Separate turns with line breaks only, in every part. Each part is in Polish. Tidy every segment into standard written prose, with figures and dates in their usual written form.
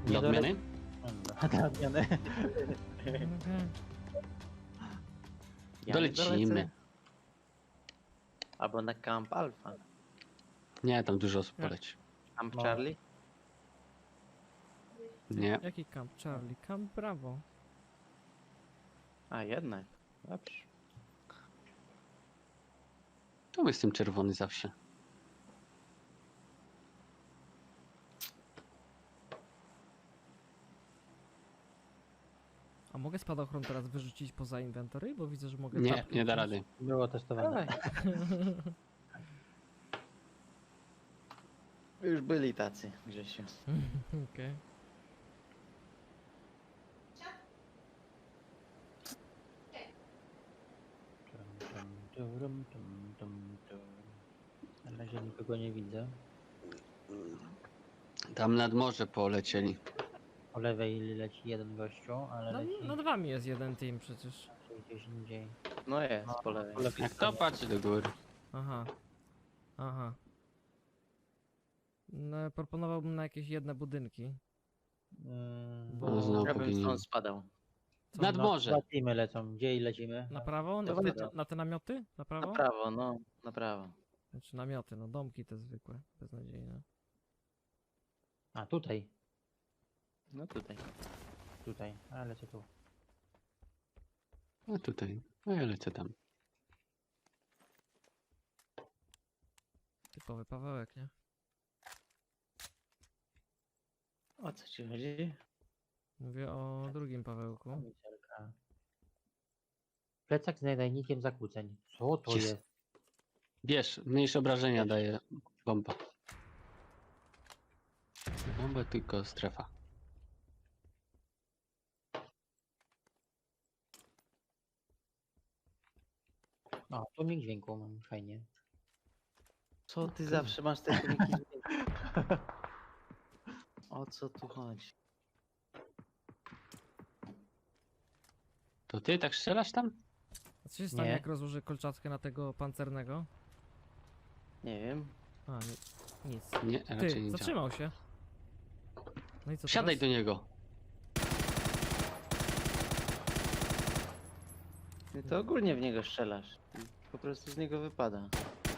Do odmiany?
Do odmiany.
Ja
Dolecimy.
nie dolecę. Albo na Camp Alpha.
Nie, tam dużo osób
Nie.
poleci.
Camp
No.
Charlie?
Nie.
Jaki Camp Charlie? Camp Bravo.
A jednak. Dobrze.
Tu jestem czerwony zawsze.
A mogę spadochron teraz wyrzucić poza inwentory? Bo widzę, że mogę
Nie,
tapki
nie da
wziąć.
rady.
Było testowane.
Dawaj. Już byli tacy, Grzesiu.
Okej.
Na razie nikogo nie widzę.
Tam nad morze polecieli.
Po lewej leci jeden gościu, ale
No,
leci
nad wami jest jeden team przecież.
gdzieś indziej.
No jest,
No,
po lewej.
po lewej
Jak to
stronie.
patrzy do góry.
Aha. Aha. No, proponowałbym na jakieś jedne budynki.
Mm,
No, znowu
Ja bym
powinien.
stąd spadał.
Co,
Nad
no,
morze.
dwa teamy lecą. Gdzie lecimy?
Na prawo?
To
Na,
wiadomo.
na te namioty? Na prawo?
Na prawo, no. Na prawo.
Znaczy namioty, no domki te zwykłe, beznadziejne.
A, tutaj.
No tutaj.
Tutaj. A, lecę tu.
A tutaj. A ja lecę tam.
Typowy Pawełek, nie?
O co ci chodzi?
Mówię o drugim Pawełku.
Kamizelka. Plecak z nadajnikiem zakłóceń. Co to
Jest.
jest?
Wiesz, mniejsze obrażenia daje bomba. Bomba tylko strefa.
O, tu mi dźwięku mam, fajnie.
Co ty zawsze masz te filmiki? O co tu chodzi?
To ty tak strzelasz tam?
A co się stanie,
Nie.
jak rozłożę kolczatkę na tego pancernego?
Nie wiem.
A, nic.
Nie, raczej nie
Ty,
działa.
zatrzymał się. No i co
Siadaj do
teraz?
niego.
Ty to ogólnie w niego strzelasz. I po prostu z niego wypada.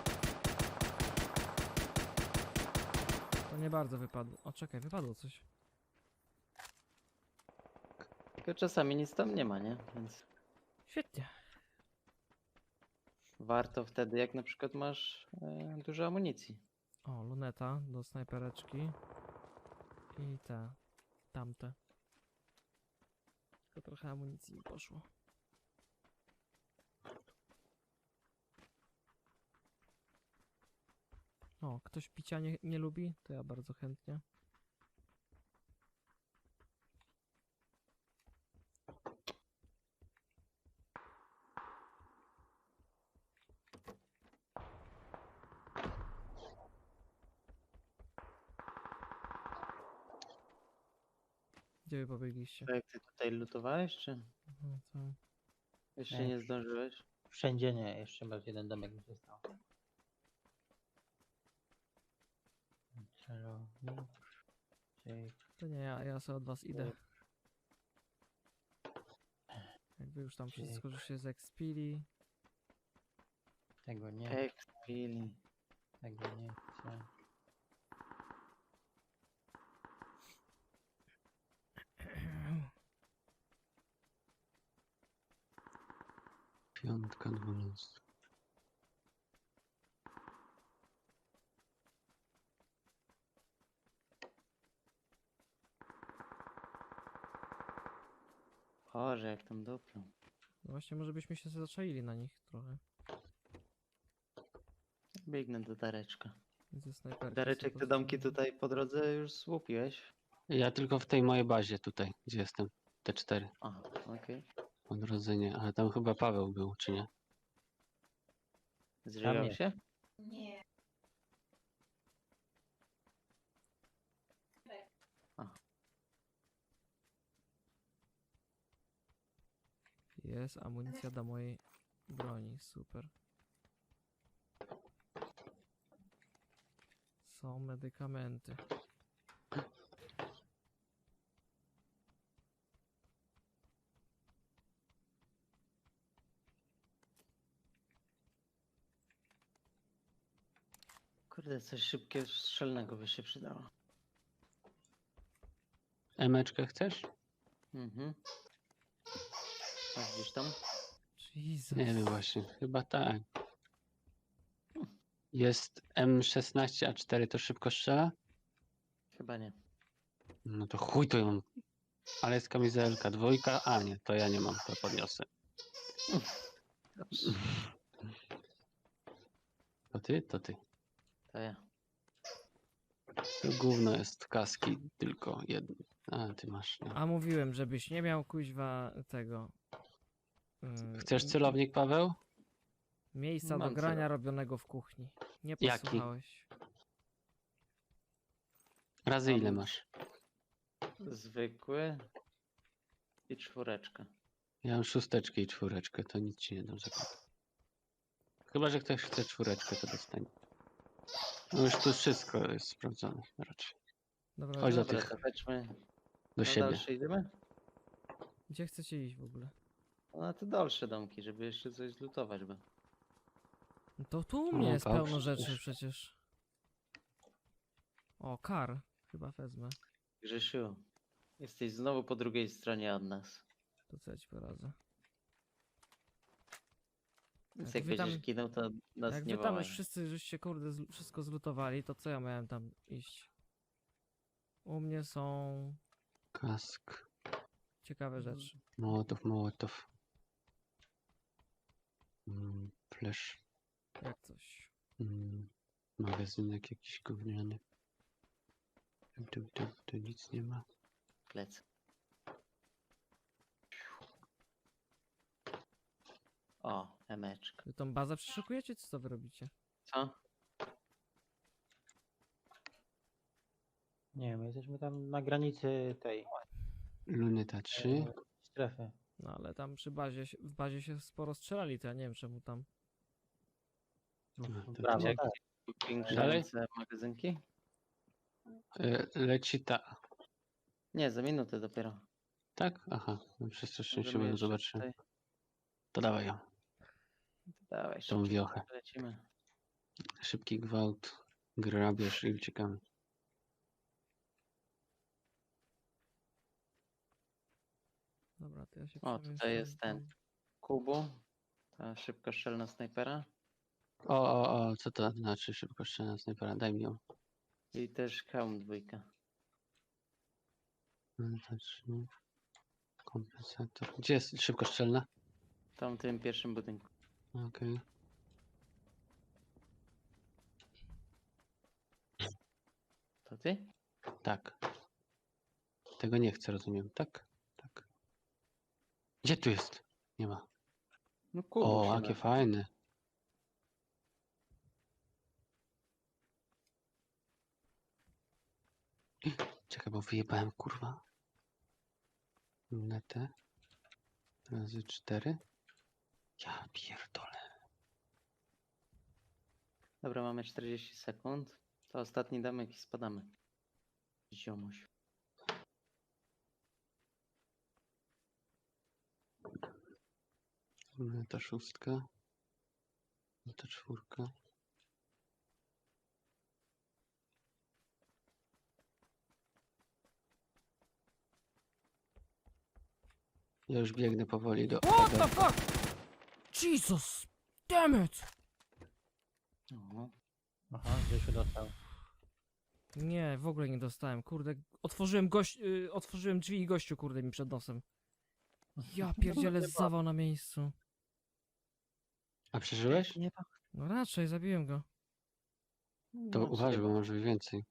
To nie bardzo wypadło. O, czekaj, wypadło coś.
Tylko czasami nic tam nie ma, nie? Więc
Świetnie.
warto wtedy, jak na przykład masz dużo amunicji.
O, luneta do snajpereczki. I te. Tamte. Tylko trochę amunicji mi poszło. O, ktoś picia nie lubi? To ja bardzo chętnie. Gdzie wy pobiegliście?
To jak ty tutaj lutowałeś, czy
Mhm, co?
jeszcze
Nie.
nie zdążyłeś?
Wszędzie nie, jeszcze masz jeden domek mi został. Celownik. Cyk.
To nie, ja sobie od was idę. Jak wy już tam wszystko, że się zekspili.
Tego nie,
Ekspili.
tego nie chcę.
Piątka, 12.
Boże, jak tam dopiął.
No właśnie, może byśmy się zaczaili na nich trochę.
Biegnę do Dareczka.
Ze snajperki.
Dareczek, te domki tutaj po drodze już słupiłeś?
Ja tylko w tej mojej bazie tutaj, gdzie jestem. T4.
Aha, okej.
Odrodzenie. Ale tam chyba Paweł był, czy nie?
Zżywał
nie.
się?
Jest amunicja do mojej broni, super. Są medykamenty.
Kurde, coś szybkiego, strzelnego by się przydało.
Emeczkę chcesz?
Mhm. Masz gdzieś tam?
Jesus.
Nie wiem właśnie, chyba tak. Jest M16A4, to szybko strzela?
Chyba nie.
No to chuj to ją. Ale jest kamizelka, dwójka, a nie, to ja nie mam, to podniosę.
Dobrze.
To ty? To ty.
To ja.
To gówno jest kaski, tylko jedno. A, ty masz. No.
A mówiłem, żebyś nie miał kuźwa tego.
Chcesz
m-
celownik, Paweł?
Miejsca do
Mam
grania
celownik.
robionego w kuchni. Nie
Jaki?
posłuchałeś.
Razy ile
Mam
masz?
Zwykły i 4.
Ja mam 6 i 4, to nic ci nie dam za kod. Chyba, że ktoś chce 4, to dostanie. No już tu wszystko jest sprawdzone raczej.
Dobra,
Chodź do
Dobra,
tych,
to chodźmy.
do
Na
siebie.
dalsze idziemy?
gdzie chcecie iść w ogóle?
No na te dalsze domki, żeby jeszcze coś zlutować, bo...
No to tu u mnie
O,
jest
Paweł,
pełno rzeczy
przecież.
przecież. O, kar. Chyba wezmę.
Grzesiu, jesteś znowu po drugiej stronie od nas.
To co ja ci poradzę.
Więc
Jak
jak
wy tam-
będziesz ginął, to nas
Jak
nie
wy tam
wołaj.
już wszyscy żeście kurde wszystko zlutowali, to co ja miałem tam iść? U mnie są
Kask,
ciekawe rzeczy.
Mołotow. Flash.
Jak coś.
Magazynek jakiś gówniany. Tu nic nie ma.
Plec. O, emeczka.
Wy tą bazę przeszukujecie, czy co wy robicie?
Co?
Nie wiem, jesteśmy tam na granicy tej
Luneta 3.
strefy.
No ale tam przy bazie, w bazie się sporo strzelali, to ja nie wiem czemu tam.
No,
No, to
brawo,
jak-
tak.
Powiększające magazynki?
Leci ta.
Nie, za minutę dopiero.
Tak? Aha, no przestraszyłem się,
Możemy
bo
jeszcze
zobaczyłem.
tutaj-
To dawaj ją,
Dawaj,
tą
szybciej
wiochę.
lecimy.
Szybki gwałt, grabież i uciekamy.
Dobra, to ja się
O,
przemieszczam
tutaj jest ten.
tam.
Kubu. Ta szybkostrzelna snajpera.
O, co to znaczy szybko strzelna snajpera? Daj mi ją.
I też hełm 2.
Luneta 3. Kompensator. Gdzie jest szybko strzelna?
W tamtym pierwszym budynku.
Okej.
To ty?
Tak. Tego nie chcę, rozumiem. Tak? Tak. Gdzie tu jest? Nie ma.
No Kubu
O,
się
jakie
nazywa.
fajne. Czekaj, bo wyjebałem, kurwa. Lunetę. Razy 4. Ja pierdolę.
Dobra, mamy 40 sekund. To ostatni domek i spadamy. Ziomuś.
Luneta 6. Luneta 4. Ja już biegnę powoli do...
What the fuck? Jesus! Damn it!
O,
Aha, Grzesiu dostał.
Nie, w ogóle nie dostałem, kurde. Otworzyłem drzwi i gościu, kurde, mi przed nosem. Ja pierdzielę zawał na miejscu.
A przeżyłeś?
nie ma.
No raczej, zabiłem go.
To
No,
uważaj,
ciebie.
bo może być więcej.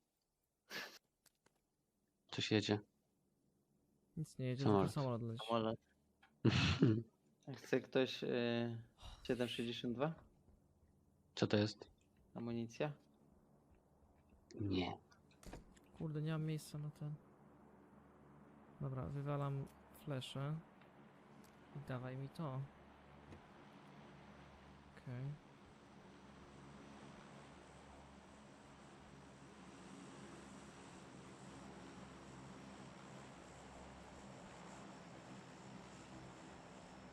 Coś jedzie.
Nic nie jedzie,
Samolot.
tylko samolot leci.
Samolot. Chce ktoś 7,62?
Co to jest?
Amunicja?
Nie.
Kurde, nie mam miejsca na ten. Dobra, wywalam fleszę. I dawaj mi to. Okej.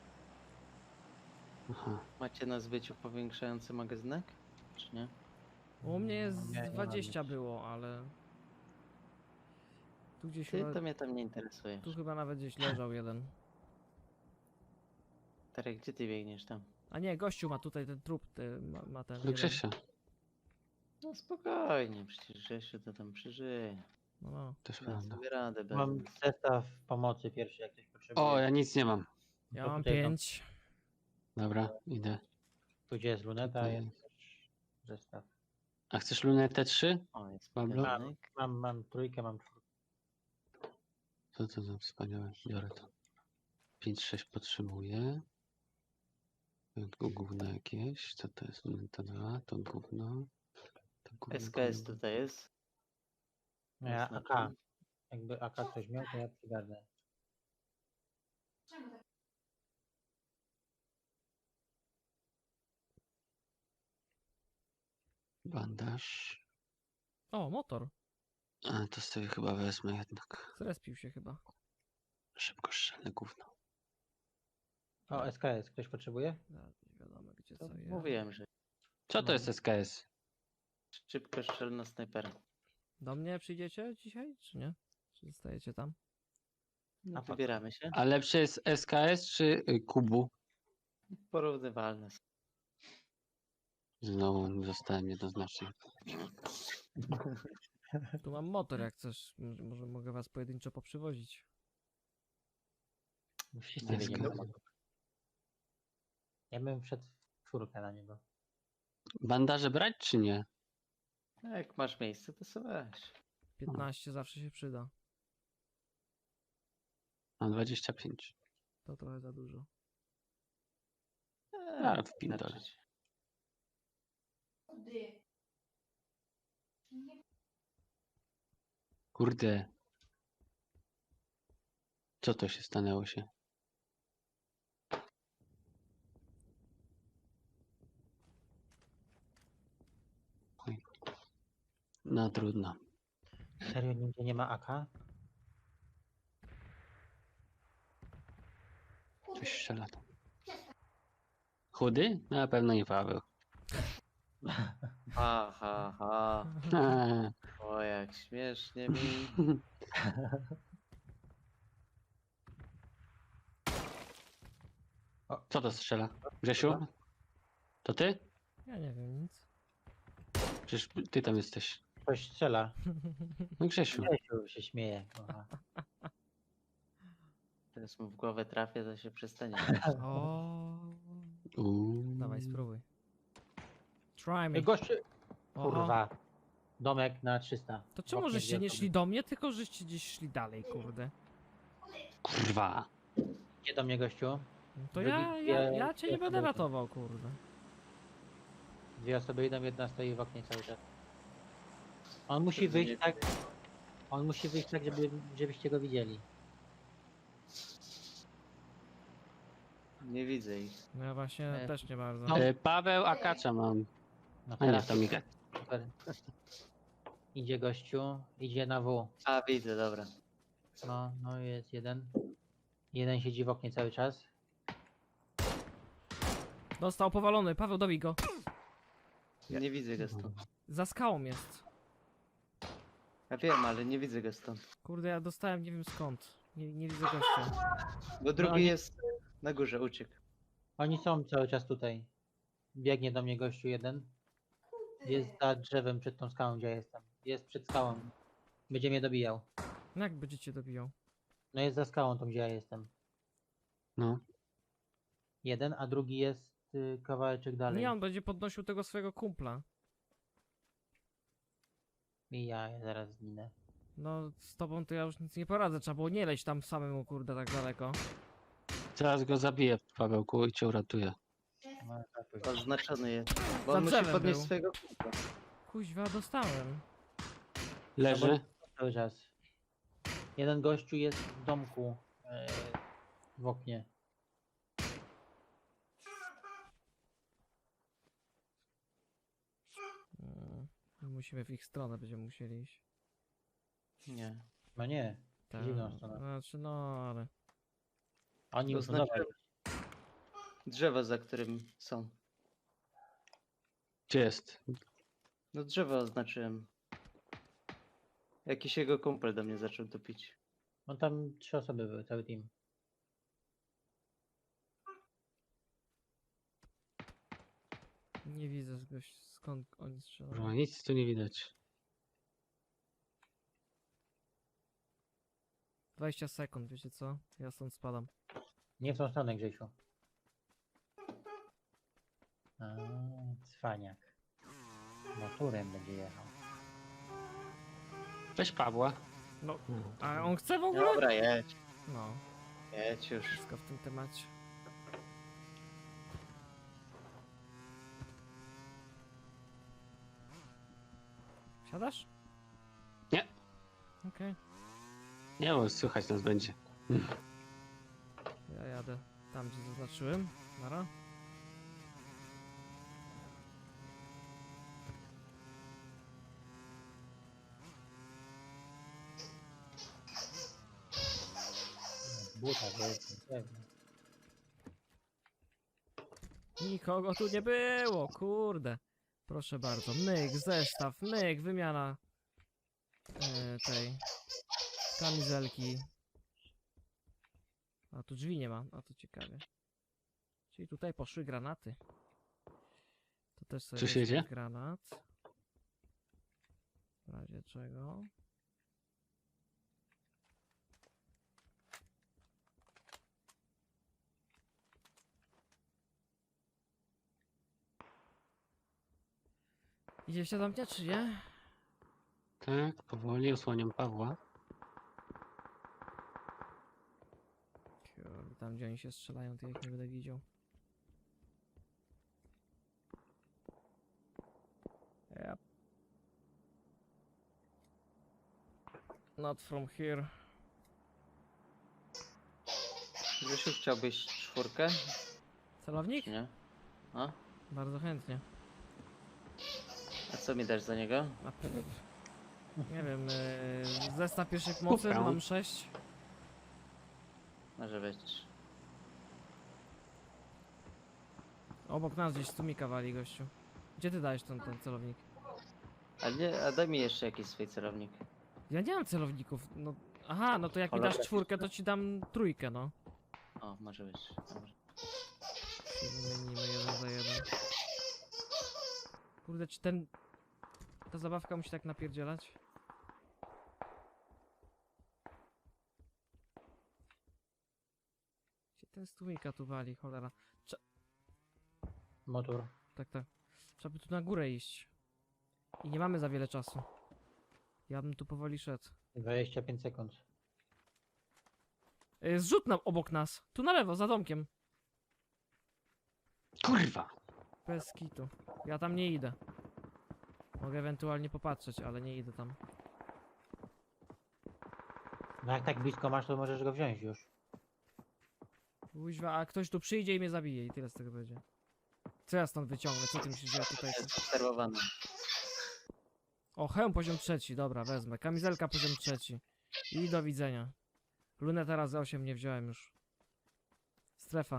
Aha.
Macie na zbyciu powiększający magazynek? Czy nie?
U mnie jest
Nie, nie mam
20
nic.
było, ale... Tu gdzieś
Ty
chyba,
to mnie tam nie interesuje.
tu chyba nawet gdzieś leżał jeden.
Tarek, gdzie ty biegniesz tam?
A nie, gościu ma tutaj ten trup, ma ten
Do
jeden.
Grzesia.
No spokojnie, przecież Grzesiu to tam przeżyje.
No, no.
Też
Da
prawda.
sobie radę bez
Mam
nas.
zestaw pomocy pierwszy, jak ktoś potrzebuje.
O, ja nic nie mam.
Ja
To
mam
tutaj
5.
Dobra, idę.
Tu gdzie jest luneta,
Tutaj
jest też zestaw.
A chcesz lunetę 3?
O, jest
Pablo?
magazynek.
Mam trójkę, mam czwórkę.
To co za wspaniałe. Biorę to. 5-6 potrzebuję. To gówno jakieś. Co to jest? Luneta 2, to gówno. To gówno,
SKS
gówno.
tutaj jest.
No ja
Znaczy,
AK. Jakby AK ktoś miał, to ja przygarnę.
Bandaż.
O, motor.
A, to sobie chyba wezmę jednak.
Zrespił się chyba.
Szybko strzelne gówno.
O, SKS, ktoś potrzebuje?
Zaraz nie wiadomo gdzie
to
co jest.
mówiłem, że
Co to
No.
jest SKS?
szybko strzelna snajpera.
Do mnie przyjdziecie dzisiaj, czy nie? Czy zostajecie tam?
No,
A po co?
wybieramy się.
A lepsze jest SKS czy Kubu?
Porównywalne. są.
Znowu zostałem jednoznacznie.
Tu mam motor, jak chcesz. Może mogę was pojedynczo poprzywozić.
Wszyscy
SKS.
wiedzieli. Ja bym wszedł w czwórkę na niego.
Bandaże brać czy nie?
A jak masz miejsce, to sobie weź.
15 zawsze się przyda.
Mam 25.
To trochę za dużo.
Ale w pindole.
starczyć.
Kurde. Co to się stanęło się? Oj. No trudno.
Serio, nigdzie nie ma AK?
Coś strzela tam. Chudy? No, na pewno nie Paweł.
Ha, ha, ha. O, jak śmiesznie mi.
Co to strzela? Grzesiu? To ty?
Ja nie wiem nic.
Przecież ty tam jesteś.
Ktoś strzela.
No Grzesiu.
Grzesiu się śmieje. Aha.
Teraz mu w głowę trafię, to się przestanie.
O, dawaj spróbuj. Try me.
Ej, gościu!
Oho.
Kurwa. Domek na 300.
To czemu
Oknie
żeście
dwie
nie
osoby.
szli do mnie, tylko żeście gdzieś szli dalej, kurde.
Kurwa.
Gdzie do mnie, gościu?
No to
Drugi-
ja cię nie
dwie
będę
osoby.
ratował, kurde.
Dwie osoby idą, jedna stoi w oknie cały czas. On musi
Nie-
wyjść tak... On musi wyjść tak, żebyście go widzieli.
Nie widzę ich.
No ja właśnie
E,
też nie bardzo.
no.
Paweł Akacza mam.
No
A nie,
teraz
to Mika.
super. Idzie gościu, idzie na W.
A, widzę, dobra.
No jest jeden. Jeden siedzi w oknie cały czas.
Dostał powalony, Paweł dobij go.
Nie widzę go stąd.
Za skałą jest.
Ja wiem, ale nie widzę go stąd.
Kurde, ja dostałem nie wiem skąd. Nie widzę gościa.
Bo drugi
oni-
jest na górze, uciekł.
Oni są cały czas tutaj. Biegnie do mnie gościu jeden. Jest za drzewem przed tą skałą, gdzie ja jestem. Jest przed skałą. Będzie mnie dobijał.
No jak będziecie dobijał?
No jest za skałą tą, gdzie ja jestem.
No.
Jeden, a drugi jest kawałeczek dalej.
Nie, on będzie podnosił tego swojego kumpla.
I ja zaraz zginę.
No z tobą to ja już nic nie poradzę, trzeba było nie leć tam samemu, kurde, tak daleko.
Zaraz go zabiję, Pawełku, i cię uratuję.
No, tak,
Oznaczony jest. Bo
Za
on musi
drzewem
podnieść
był.
swojego kumpla.
Kuźwa, dostałem.
Leży.
cały czas. Jeden gościu jest w domku w oknie.
Musimy w ich stronę, będziemy musieli iść.
Nie.
No nie,
Tak.
Przeciwną stronę.
Znaczy, no ale...
oni
To
już
znaczy-
dawaj.
Drzewo, za którym są.
Gdzie jest?
No drzewo oznaczyłem. Jakiś jego kumpel do mnie zaczął topić.
No tam 3 osoby były, cały team.
Nie widzę skąd oni
Kurwa,
strzelają.
nic tu nie widać.
20 sekund, wiecie co? Ja stąd spadam.
Nie w tą stronę, Grzesiu. A, cwaniak. Motorem będzie jechał.
Weź Pawła.
No,
No,
a on chce w ogóle?
Dobra, jedź.
No,
Jedź już.
wszystko w tym temacie. Siadasz?
Nie.
Okej,
Nie, bo słychać nas będzie.
ja jadę tam, gdzie zaznaczyłem. Nara.
Buta, to jest pewnie.
Nikogo tu nie było, kurde. Proszę bardzo, myk, zestaw, myk, wymiana tej kamizelki. A tu drzwi nie ma, a to ciekawie. Czyli tutaj poszły granaty. To też sobie
Coś
weźmie
jedzie?
granat. W razie czego. Idziecie do mnie, czy nie?
Tak, powoli osłaniam Pawła.
Kurde, tam gdzie oni się strzelają, to ja ich nie będę widział. Yep. Not from here.
Grzesiu, chciałbyś 4?
Celownik?
Czy nie? A?
Bardzo chętnie.
A co mi dasz za niego?
Nie wiem, zestaw pierwszej pomocy,
Kupę.
mam 6.
Może być.
Obok nas gdzieś stumika wali gościu. Gdzie ty dajesz ten celownik?
A nie, a daj mi jeszcze jakiś swój celownik.
Ja nie mam celowników, no... Aha, no to jak mi dasz
Holograficzny.
4, to ci dam 3, no.
O, może być. Dobra.
Się wymienimy 1 za 1. Kurde, czy ta zabawka musi tak napierdzielać? Gdzie ten stumika tu wali, cholera?
Motor.
Tak, tak. Trzeba by tu na górę iść. I nie mamy za wiele czasu. Ja bym tu powoli szedł.
25 sekund.
Zrzut obok nas. Tu na lewo, za domkiem.
Kurwa!
Bez kitu. Ja tam nie idę. Mogę ewentualnie popatrzeć, ale nie idę tam.
No jak tak blisko masz, to możesz go wziąć już.
Kuźwa, a ktoś tu przyjdzie i mnie zabije i tyle z tego będzie. Co ja stąd wyciągnę? Co ty myślisz, że ja tutaj...
Jest obserwowany.
O, hełm poziom 3, dobra, wezmę. Kamizelka poziom 3. I do widzenia. Lunetę razy 8 nie wziąłem już. Strefa.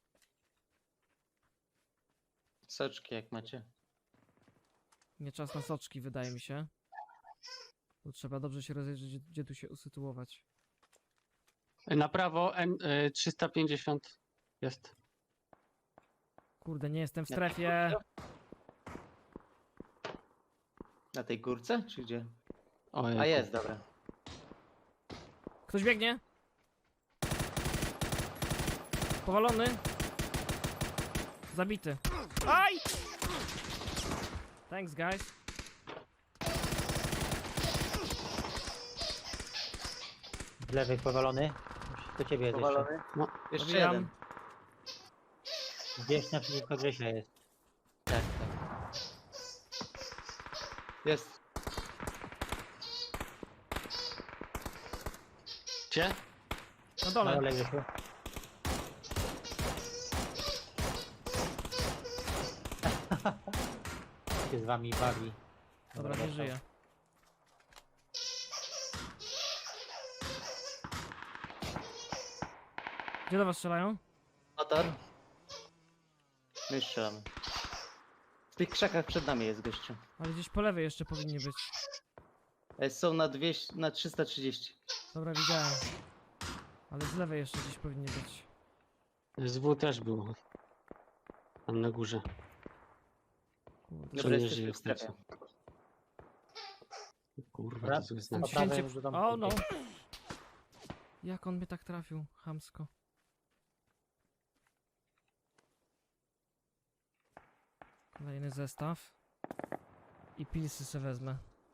Soczki jak macie.
Nie czas na soczki, wydaje mi się. Tu trzeba dobrze się rozejrzeć, gdzie tu się usytuować.
Na prawo N350 jest.
Kurde, nie jestem w
Na
strefie.
Na tej górce, czy gdzie?
Ojej,
A jest, dobra.
Ktoś biegnie? Powalony? Zabity. Aj! Thanks, guys.
Z lewej powalony. Do ciebie jest jeszcze.
Powalony?
No.
Jeszcze
Dobijam.
jeden.
Gdzieś naprzeciwko Grzesia jest.
Tak, tak. Jest.
Gdzie?
Na
Na
dole.
dole Grzesiu. Się z wami bawi.
Dobra, nie żyje. Gdzie do was strzelają?
Motor. My już strzelamy. tych krzakach przed nami jest gościu.
Ale gdzieś po lewej jeszcze powinni być.
Są na 200, na 330.
Dobra, widziałem. Ale z lewej jeszcze gdzieś powinni być.
SW też było. Tam na górze.
Kurde.
Dobra,
nie
jesteśmy
żyje
w strefie.
Kurwa,
Dobra,
to zły
Jestem
znak.
po prawej
święcie...
już do domku
O no!
biegnie.
Jak on mnie tak trafił? Chamsko. Kolejny zestaw. I pilsy se wezmę.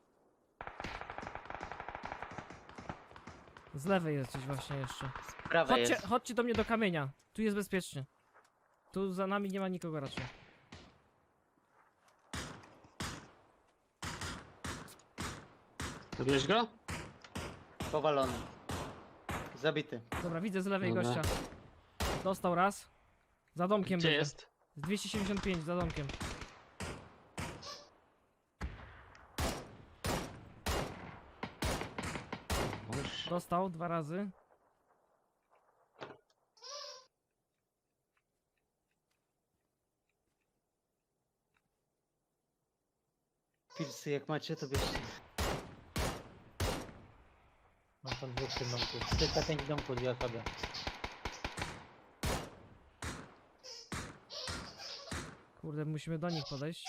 Z lewej jest gdzieś właśnie jeszcze.
Z prawej
Chodźcie,
jest.
chodźcie do mnie do kamienia. Tu jest bezpiecznie. Tu za nami nie ma nikogo raczej.
Zabierz go?
Powalony. Zabity.
Dobra, widzę z lewej
Dobra.
gościa. Dostał raz. Za domkiem
Gdzie
będzie.
jest?
Z 275 za domkiem.
Boże.
Dostał 2 razy.
Pilsy jak macie, to bierzcie.
Mam tam dwóch w tym domku. 305 w domku, 2 osoby.
Kurde, musimy do nich podejść.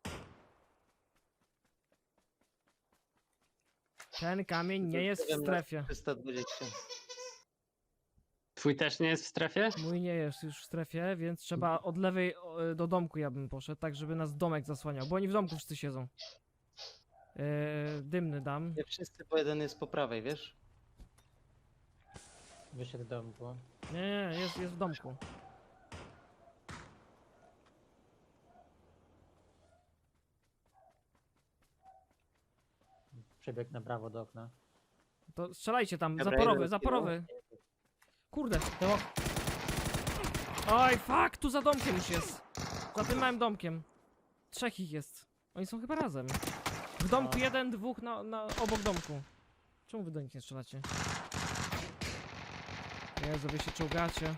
Ten kamień nie jest w strefie.
320.
Twój też nie jest w strefie?
Mój nie jest już w strefie, więc trzeba od lewej do domku ja bym poszedł, tak żeby nas domek zasłaniał, bo oni w domku wszyscy siedzą. Dymny dam.
Nie wszyscy, bo jeden jest po prawej, wiesz?
Wyszedł z domku.
Nie, jest w domku.
Przebiegł na prawo do okna.
To strzelajcie tam,
Dobra,
zaporowy,
jeden
zaporowy. Kurde, to... Oj, fuck, tu za domkiem już jest. Za tym małym domkiem. 3 ich jest. Oni są chyba razem. W domku
No.
jeden, dwóch obok domku. Czemu wy do nich nie strzelacie? Jezu, wy się czołgacie.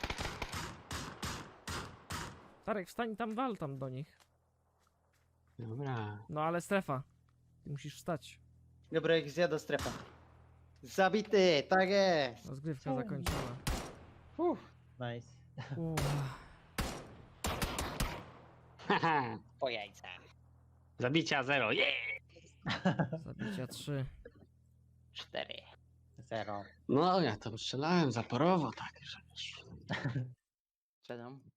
Tarek, wstań tam, wal tam do nich.
Dobra.
No ale strefa. Ty musisz wstać.
Dobra, ich zjada strefa. Zabity, tak jest.
Rozgrywka zakończona.
Nice.
Haha.
Po jajcach.
Zabicia 0. Yeah!
Zabicia 3.
4.
0.
No ja tam strzelałem zaporowo, tak, że wiesz.
Strzelam.